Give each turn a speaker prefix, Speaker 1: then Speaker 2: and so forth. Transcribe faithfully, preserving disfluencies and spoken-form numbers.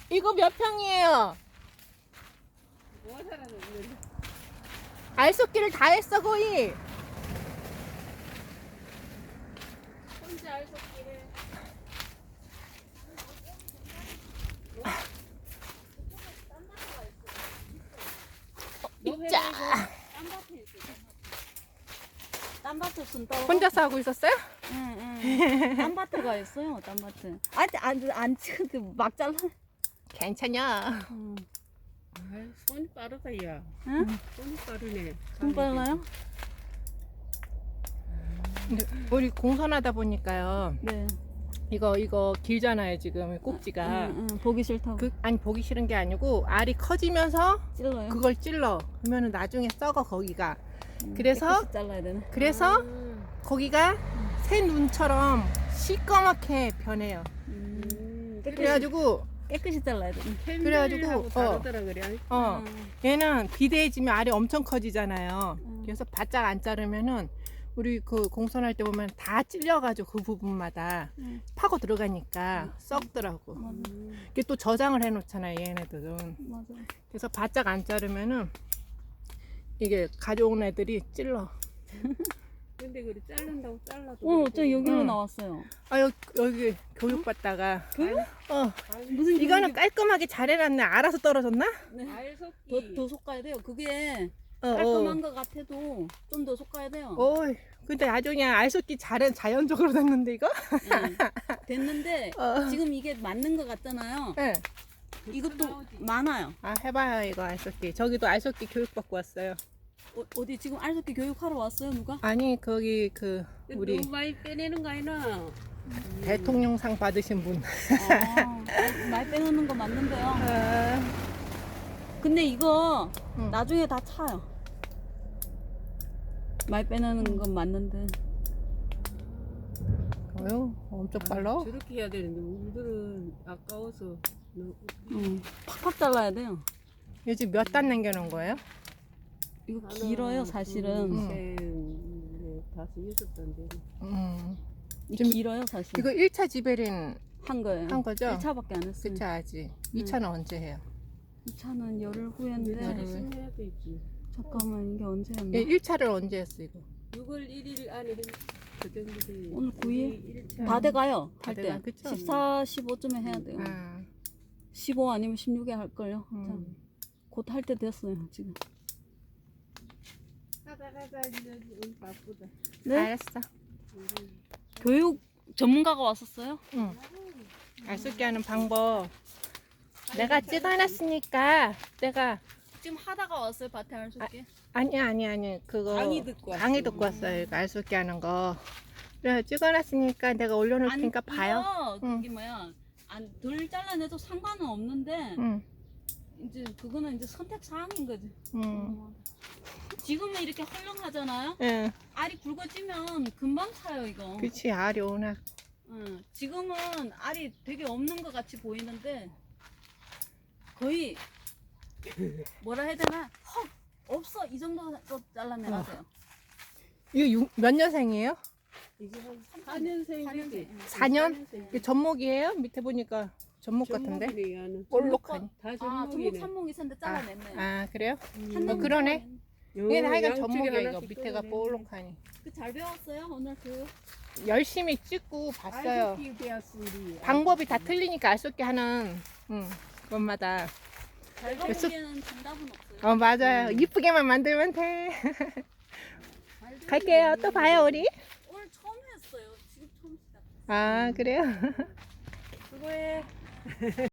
Speaker 1: 이거 몇 평이에요?
Speaker 2: 뭐 살아서 그래.
Speaker 1: 알속기를 다 했어 거의.
Speaker 2: 혼자 알속기를.
Speaker 1: 자,
Speaker 3: 딴밭에 순따.
Speaker 1: 혼자서 하고 있었어요?
Speaker 3: 응응. 딴밭에가 있어요. 딴밭에. 안안 찍은데 막 잘라.
Speaker 1: 괜찮냐?
Speaker 3: 응.
Speaker 2: 아이, 손이 빠르다 야.
Speaker 3: 응?
Speaker 2: 손이 빠르네.
Speaker 3: 손 빨라요?
Speaker 1: 근데 우리 공선하다 보니까요.
Speaker 3: 네.
Speaker 1: 이거 이거 길잖아요 지금 꼭지가.
Speaker 3: 응, 응. 보기 싫다고.
Speaker 1: 그 아니 보기 싫은 게 아니고 알이 커지면서
Speaker 3: 찔러요.
Speaker 1: 그걸 찔러. 그러면은 나중에 썩어 거기가.
Speaker 3: 응,
Speaker 1: 그래서
Speaker 3: 깨끗이 잘라야 되네.
Speaker 1: 그래서
Speaker 2: 음.
Speaker 1: 거기가 새 눈처럼 시꺼멓게 변해요.
Speaker 3: 음.
Speaker 2: 음.
Speaker 1: 그래가지고
Speaker 3: 깨끗이 잘라야 되네.
Speaker 1: 그래가지고,
Speaker 2: 캔들하고
Speaker 1: 어.
Speaker 2: 다르더라 그래.
Speaker 1: 어
Speaker 3: 응.
Speaker 1: 얘는 비대해지면 알이 엄청 커지잖아요.
Speaker 3: 음.
Speaker 1: 그래서 바짝 안 자르면은 우리 그 공선할 때 보면 다 찔려가지고 그 부분마다
Speaker 3: 응.
Speaker 1: 파고 들어가니까 썩더라고.
Speaker 3: 맞아.
Speaker 2: 음.
Speaker 1: 이게 또 저장을 해놓잖아요 얘네들은.
Speaker 3: 맞아.
Speaker 1: 그래서 바짝 안 자르면은 이게 가져온 애들이 찔러.
Speaker 2: 근데 그래 자른다고 잘라도.
Speaker 3: 어, 저 여기로
Speaker 1: 응.
Speaker 3: 나왔어요.
Speaker 1: 아 여기, 여기 교육받다가
Speaker 3: 교육?
Speaker 1: 어
Speaker 3: 무슨
Speaker 1: 이거는
Speaker 3: 교육이-
Speaker 1: 깔끔하게 잘 해놨네. 알아서 떨어졌나?
Speaker 3: 네.
Speaker 2: 알속기.
Speaker 3: 더, 더 솎아야 돼요. 그게
Speaker 1: 어,
Speaker 3: 깔끔한 것 같아도 좀 더 솎아야 돼요.
Speaker 1: 어. 어이 근데 아주 그냥 알속기 잘해 자연적으로 됐는데 이거?
Speaker 3: 네. 됐는데
Speaker 1: 어.
Speaker 3: 지금 이게 맞는 것 같잖아요.
Speaker 1: 네.
Speaker 3: 이것도
Speaker 2: 나오지.
Speaker 3: 많아요.
Speaker 1: 아 해봐요 이거 알속기. 저기도 알속기 교육받고 왔어요.
Speaker 3: 어, 어디 지금 알속기 교육하러 왔어요 누가?
Speaker 1: 아니 거기 그 우리
Speaker 2: 너무 많이 빼내는 거 아니나?
Speaker 1: 대통령상 받으신 분.
Speaker 3: 아, 말- 말 빼놓는 거 맞는데요.
Speaker 1: 아,
Speaker 3: 근데 이거
Speaker 1: 응.
Speaker 3: 나중에 다 차요. 말 빼놓는 건 맞는데.
Speaker 1: 어휴 엄청 빨라.
Speaker 2: 아, 저렇게 해야 되는데 우리들은 아까워서. 너무-
Speaker 3: 응. 팍팍 잘라야 돼요.
Speaker 1: 요즘 몇 단 남겨놓은 거예요?
Speaker 3: 이거
Speaker 2: 하나,
Speaker 3: 길어요
Speaker 2: 둘,
Speaker 3: 사실은.
Speaker 1: 응.
Speaker 2: 셋, 넷, 다섯, 여섯 단 되네.
Speaker 1: 음.
Speaker 3: 이
Speaker 1: 좀-
Speaker 3: 길어요 사실.
Speaker 1: 이거 일 차 지베린
Speaker 3: 한 거예요.
Speaker 1: 한 거죠?
Speaker 3: 일 차밖에 안 했어요.
Speaker 1: 그 차 하지. 이 차는 언제 해요?
Speaker 3: 이 차는 열흘
Speaker 2: 우리
Speaker 3: 후인데
Speaker 2: 다리 신내야 되지.
Speaker 3: 잠깐만 이게 언제였나?
Speaker 1: 예, 일 차를 언제 했어 이거?
Speaker 2: 유월 일일 안에 그 정도 돼.
Speaker 3: 오늘 구 일?
Speaker 2: 일 차.
Speaker 3: 다 돼가요
Speaker 1: 다
Speaker 3: 할
Speaker 1: 돼가,
Speaker 3: 때.
Speaker 1: 그쵸?
Speaker 3: 십사, 십오쯤에 해야 돼요.
Speaker 1: 아,
Speaker 3: 십오 아니면 십육에 할걸요.
Speaker 1: 음.
Speaker 3: 곧 할 때 됐어요 지금.
Speaker 2: 하다 하다 이제 오늘 바쁘다.
Speaker 3: 네?
Speaker 1: 알았어.
Speaker 3: 교육 전문가가 왔었어요?
Speaker 1: 응. 알속기 하는 방법 내가 찍어놨으니까 내가
Speaker 3: 지금 하다가 왔어요 밭에 알속기?
Speaker 1: 아니 아니 아니 그거
Speaker 2: 강의 듣고 왔어요.
Speaker 1: 강의 듣고 왔어요. 이거 알속기 하는 거. 그래 찍어놨으니까 내가 올려놓을 테니까 봐요.
Speaker 3: 이거
Speaker 1: 응.
Speaker 3: 그게 뭐야? 안 덜 잘라내도 상관은 없는데
Speaker 1: 응,
Speaker 3: 이제 그거는 이제 선택 사항인 거지.
Speaker 1: 응,
Speaker 3: 지금은 이렇게 헐렁하잖아요.
Speaker 1: 응.
Speaker 3: 알이 굵어지면 금방 차요 이거.
Speaker 1: 그치 알이 워낙.
Speaker 3: 응. 지금은 알이 되게 없는 것 같이 보이는데 거의 뭐라 해야 되나? 헉 없어 이 정도 잘라내야
Speaker 1: 어.
Speaker 3: 돼요.
Speaker 1: 이거 육- 몇 년생이에요?
Speaker 2: 이게 한 사 년생이지.
Speaker 1: 사 년? 이게 전목이에요? 밑에 보니까 전목 같은데? 볼록하니.
Speaker 2: 다
Speaker 3: 아 전목
Speaker 2: 전목이네.
Speaker 3: 삼목 있었는데 잘라냈네요.
Speaker 1: 아 그래요?
Speaker 3: 한
Speaker 1: 어,
Speaker 3: 년
Speaker 1: 그러네.
Speaker 2: 요
Speaker 1: 얘는 하여간
Speaker 2: 양쪽에
Speaker 1: 전목이야 이거
Speaker 2: 하나씩
Speaker 1: 밑에가
Speaker 2: 끊어내네.
Speaker 1: 볼록하니.
Speaker 3: 그잘 배웠어요 오늘 교육.
Speaker 1: 열심히 찍고 봤어요.
Speaker 2: 알속기 배웠으니.
Speaker 1: 방법이 다 틀리니까 알속기 하는 응, 것마다.
Speaker 3: 잘
Speaker 1: 그래서-
Speaker 3: 배우기에는 정답은 없어요.
Speaker 1: 어 맞아요. 이쁘게만 만들면 돼. 갈게요. 또 봐요 우리.
Speaker 3: 오늘 처음 했어요. 지금 처음 시작.
Speaker 1: 아 그래요?
Speaker 2: 수고해.